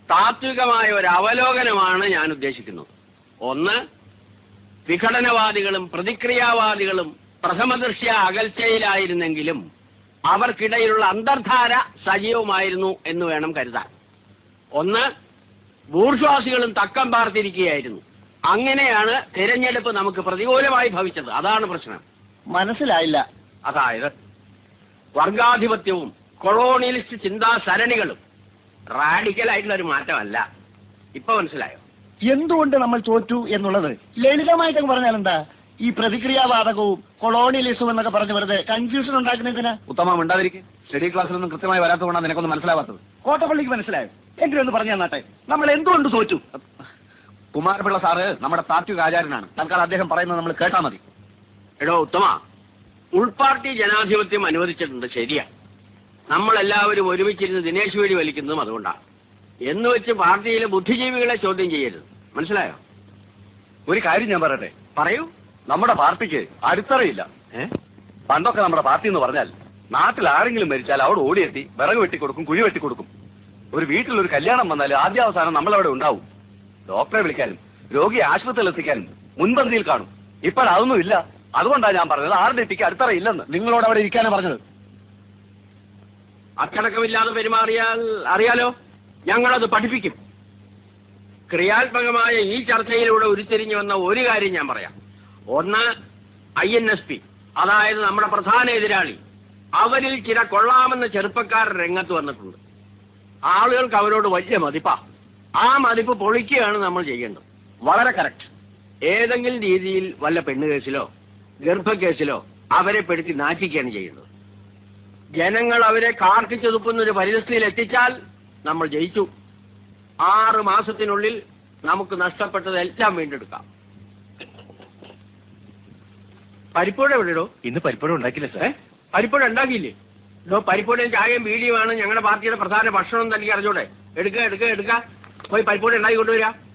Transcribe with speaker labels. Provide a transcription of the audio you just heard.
Speaker 1: താത്വികമായ ഒരു അവലോകനമാണ് ഞാൻ ഉദ്ദേശിക്കുന്നത്. ഒന്ന്, വിഘടനവാദികളും പ്രതിക്രിയാവാദികളും പ്രഥമദൃഷ്ട്യാ അകൽച്ചയിലായിരുന്നെങ്കിലും അവർക്കിടയിലുള്ള അന്തർധാര സജീവമായിരുന്നു എന്ന് വേണം കരുതാൻ. ഒന്ന്, ബൂർഷ്വാസികളും തക്കം പാർത്തിരിക്കുകയായിരുന്നു. അങ്ങനെയാണ് തിരഞ്ഞെടുപ്പ് നമുക്ക് പ്രതികൂലമായി ഭവിച്ചത്. അതാണ് പ്രശ്നം.
Speaker 2: മനസ്സിലായില്ല.
Speaker 1: അതായത് വർഗാധിപത്യവും കൊളോണിയലിസ്റ്റ് ചിന്താ സരണികളും റാഡിക്കലായിട്ടുള്ള ഒരു മാറ്റമല്ല. ഇപ്പൊ മനസ്സിലായോ
Speaker 2: എന്തുകൊണ്ട് നമ്മൾ തോറ്റു എന്നുള്ളത്? ലളിതമായിട്ടൊക്കെ പറഞ്ഞാൽ എന്താ? ഈ പ്രതിക്രിയാവാദകവും കൊളോണിയലിസവും എന്നൊക്കെ പറഞ്ഞു വെറുതെ കൺഫ്യൂഷൻ ഉണ്ടാക്കുന്നതിന്.
Speaker 3: ഉത്തമം ഉണ്ടാതിരിക്കും. സ്റ്റഡി ക്ലാസ്സിലൊന്നും കൃത്യമായി വരാത്തതുകൊണ്ടാണ് നിനക്കൊന്നും മനസ്സിലാവാത്തത്.
Speaker 2: കോട്ടപ്പള്ളിക്ക് മനസ്സിലായോ? എങ്കിലൊന്ന് പറഞ്ഞു തന്നാട്ടെ, നമ്മൾ എന്തുകൊണ്ട് തോറ്റു?
Speaker 3: കുമാരപിള്ള സാറ് നമ്മുടെ താത്വിക ആചാര്യനാണ്. തൽക്കാലം അദ്ദേഹം പറയുന്നത് നമ്മൾ കേട്ടാൽ മതി.
Speaker 1: എടോ ഉത്തമ, ഉൾപാർട്ടി ജനാധിപത്യം അനുവദിച്ചിട്ടുണ്ട്, ശരിയാ. നമ്മളെല്ലാവരും ഒരുമിച്ചിരുന്ന് ദിനേശ് വേടി വലിക്കുന്നതും അതുകൊണ്ടാണ്. എന്ന് വെച്ച് പാർട്ടിയിലെ ബുദ്ധിജീവികളെ ചോദ്യം ചെയ്യരുത്. മനസ്സിലായോ?
Speaker 3: ഒരു കാര്യം ഞാൻ പറയട്ടെ.
Speaker 1: പറയൂ.
Speaker 3: നമ്മുടെ പാർട്ടിക്ക് അടിത്തറയില്ല. പണ്ടൊക്കെ നമ്മുടെ പാർട്ടി എന്ന് പറഞ്ഞാൽ നാട്ടിൽ ആരെങ്കിലും മരിച്ചാൽ അവിടെ ഓടിയെത്തി വിറക് വെട്ടിക്കൊടുക്കും, കുഴി വെട്ടിക്കൊടുക്കും. ഒരു വീട്ടിലൊരു കല്യാണം വന്നാൽ ആദ്യാവസാനം നമ്മളവിടെ ഉണ്ടാവും. ഡോക്ടറെ വിളിക്കാനും രോഗിയെ ആശുപത്രിയിൽ എത്തിക്കാനും മുൻപന്തിയിൽ കാണും. ഇപ്പോഴതൊന്നും ഇല്ല. അതുകൊണ്ടാണ് ഞാൻ പറഞ്ഞത് ആരുടെ എത്തിക്ക് അടിത്തറയില്ലെന്ന്. നിങ്ങളോട് അവിടെ ഇരിക്കാനാണ് പറഞ്ഞത്.
Speaker 1: അച്ചടക്കമില്ലാതെ പെരുമാറിയാൽ അറിയാലോ, ഞങ്ങളത് പഠിപ്പിക്കും. ക്രിയാത്മകമായ ഈ ചർച്ചയിലൂടെ ഉരുത്തിരിഞ്ഞു വന്ന ഒരു കാര്യം ഞാൻ പറയാം. ഒന്ന്, INSP, അതായത് നമ്മുടെ പ്രധാന എതിരാളി. അവരിൽ ചില കൊള്ളാമെന്ന ചെറുപ്പക്കാർ രംഗത്ത് വന്നിട്ടുണ്ട്. ആളുകൾക്ക് അവരോട് വലിയ മതിപ്പാ. ആ മതിപ്പ് പൊളിക്കുകയാണ് നമ്മൾ ചെയ്യേണ്ടത്.
Speaker 3: വളരെ കറക്റ്റ്.
Speaker 1: ഏതെങ്കിലും രീതിയിൽ വല്ല പെണ്ണുകേസിലോ ഗർഭക്കേസിലോ അവരെ പെടുത്തി നാറ്റിക്കുകയാണ് ചെയ്യുന്നത്. ജനങ്ങൾ അവരെ കാർക്കിച്ചൊതുക്കുന്നൊരു പരിസ്ഥിതിയിൽ എത്തിച്ചാൽ നമ്മൾ ജയിച്ചു. 6 മാസത്തിനുള്ളിൽ നമുക്ക് നഷ്ടപ്പെട്ടതെല്ലാം വീണ്ടെടുക്കാം. പരിപ്പുഴ എവിടെയോ?
Speaker 3: ഇന്ന് പരിപ്പുഴ ഉണ്ടാക്കില്ല സാർ.
Speaker 1: പരിപ്പുഴ ഉണ്ടാക്കിയില്ലേ? പരിപ്പുഴയും ചായയും വീഡിയോയാണ് ഞങ്ങളുടെ പാർട്ടിയുടെ പ്രധാന ഭക്ഷണം തനിക്ക് അറിഞ്ഞൂടെ? എടുക്കുക പോയി പരിപ്പുഴ ഉണ്ടാക്കി കൊണ്ടുവരാം.